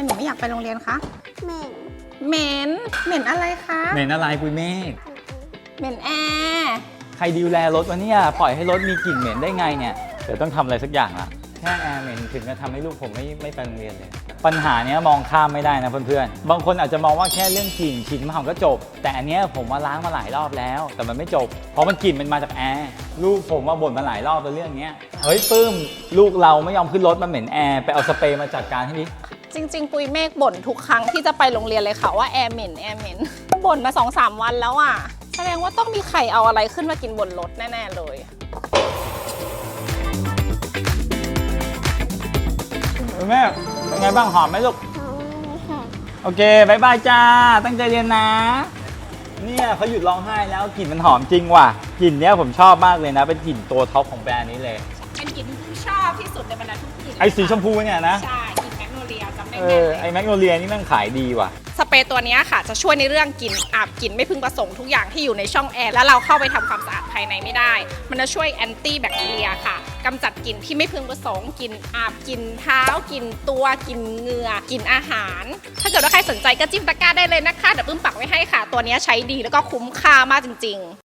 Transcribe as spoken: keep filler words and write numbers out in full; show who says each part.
Speaker 1: หนูไม่อยากไปโรงเรียนคะ
Speaker 2: เหม็น
Speaker 1: เหม็นเหม็นอะไรคะ
Speaker 3: เหม็นอะไรปุยเมฆ
Speaker 1: เหม็นแอร์
Speaker 3: ใครดูแลรถวะเนี่ยปล่อยให้รถมีกลิ่นเหม็นได้ไงเนี่ยเดี๋ยวต้องทำอะไรสักอย่างละแค่แอร์เหม็นถึงจะทำให้ลูกผมไม่ไม่ไปโรงเรียนเลยปัญหาเนี้ยมองข้ามไม่ได้นะเพื่อนๆบางคนอาจจะมองว่าแค่เรื่องกลิ่นฉีดน้ำหอมก็จบแต่อันเนี้ยผมมาล้างมาหลายรอบแล้วแต่มันไม่จบเพราะมันกลิ่นมันมาจากแอร์ลูกผมมาบ่นมาหลายรอบในเรื่องเนี้ยเฮ้ยปื้มลูกเราไม่ยอมขึ้นรถมาเหม็นแอร์ไปเอาสเปรย์มาจัดการให้ดิ
Speaker 1: จริงๆปุยเมฆบ่นทุกครั้งที่จะไปโรงเรียนเลยค่ะว่าแอร์เหม็นแอร์เหม็นบ่นมา สองสาม วันแล้วอ่ะแสดงว่าต้องมีใครเอาอะไรขึ้นมากินบนรถแน่ๆเลย
Speaker 3: แม่เป็นไงบ้างหอมไหมลูกโอเคบายบายจ้าตั้งใจเรียนนะเนี่ยเขาหยุดร้องไห้แล้วกลิ่นมันหอมจริงว่ะกลิ่นเนี้ยผมชอบมากเลยนะเป็นกลิ่นตัวท็อปของแบรนด์นี้เลย
Speaker 1: เป็นกลิ่นที่ชอบที่สุดในบรรดาทุกกลิ่น
Speaker 3: ไอ้สีชมพูเนี่ยนะ
Speaker 1: ใช่กลิ่นแมกโนเลียจำได้
Speaker 3: เอ
Speaker 1: แม่
Speaker 3: อไอ้แมกโนเลียนี่แม่งขายดีว่ะ
Speaker 1: สเปรย์ตัวนี้ค่ะจะช่วยในเรื่องกลิ่นอับกลิ่นไม่พึงประสงค์ทุกอย่างที่อยู่ในช่องแอร์แล้วเราเข้าไปทำความสะอาดภายในไม่ได้มันจะช่วยแอนตี้แบคทีเรียค่ะกำจัดกลิ่นที่ไม่พึงประสงค์กลิ่นอับกลิ่นเท้ากลิ่นตัวกลิ่นเหงื่อกลิ่นอาหารถ้าเกิดว่าใครสนใจก็จิ้มตะกร้าได้เลยนะคะเดี๋ยวปื้มปักไว้ให้ค่ะตัวนี้ใช้ดีแล้วก็คุ้มค่ามากจริงๆ